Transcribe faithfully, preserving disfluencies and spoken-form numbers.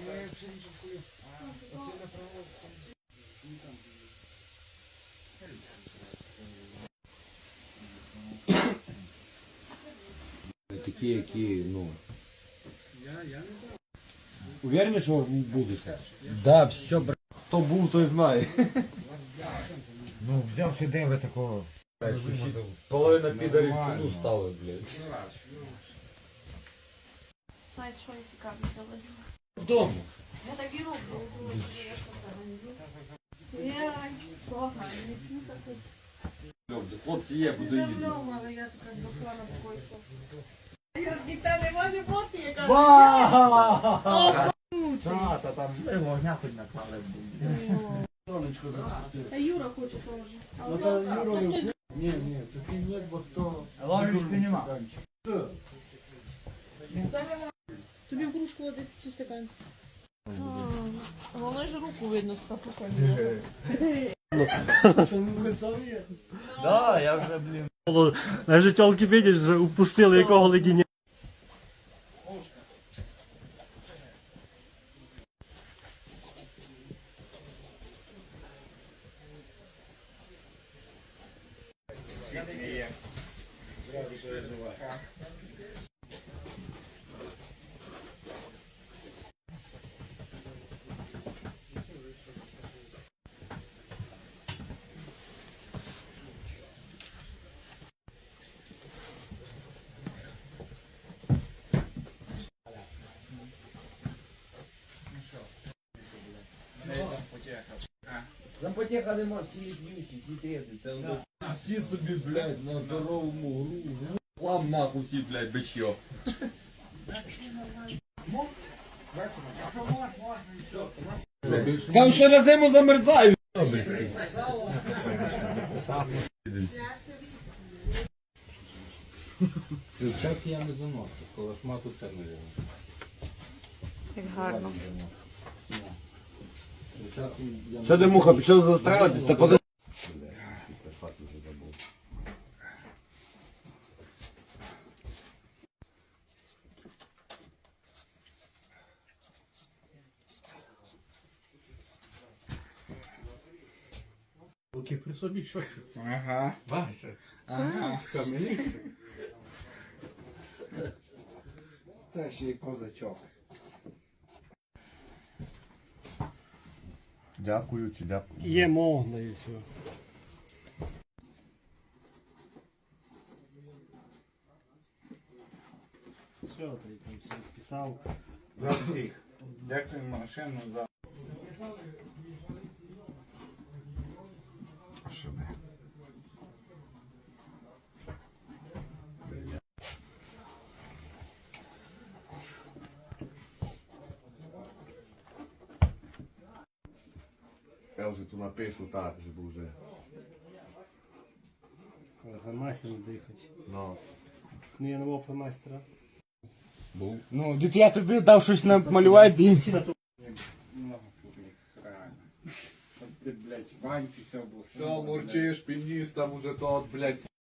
Такі, які, ну... Уверені, що будете? Да, все, брат. Хто був, той знає. Ну, взявши день ви такого. Половина підарів ціну ставить, блядь. Знаєте, що я цікаві заводжу? Вдома. Я так і роблю. Я поганий. Хлопці є, куди їдуть. Але я така до плану такої, що... Юргіта не може бути, яка... Та, та там вогня хоч наклали. Сонечко закрутив. А Юра хоче теж. Ну то Юра... Ні, ні, таки нет, бо то... Ложечки нема. Тобі в кружку водити цю стакан. Головне ж руку видно з такого. Да, я вже, блін. Навіть тілки, видиш, вже упустили якого легіня. Зампотеха нема, всі п'ющі, всі трезві. Це всі собі, блядь, на здоровому гру. Хлам нахуй всі, блядь, бичьо. Там ще на зиму замерзають. Час я не заношу, коли шмату це не було. Як гарно. Що ти, муха, пішов застрелитись? Та подивись. Руки при собі, що? Ага. Вася. Ага. Кам'яний. Це ще й козачок. Дякую чи дякую. Є можна і все. Все, ти там все списав. За всіх. Дякую машину за... Що ви? Я вже тут напишу так, щоб вже. Фломастер здихать. Ну. Ну я не був фломастера. Був. Ну, дід я тобі дав щось намалювати і... Много публік, реально. От ти, блядь, Ваньки все був. Що мурчиш, пініс, там уже тот, блядь,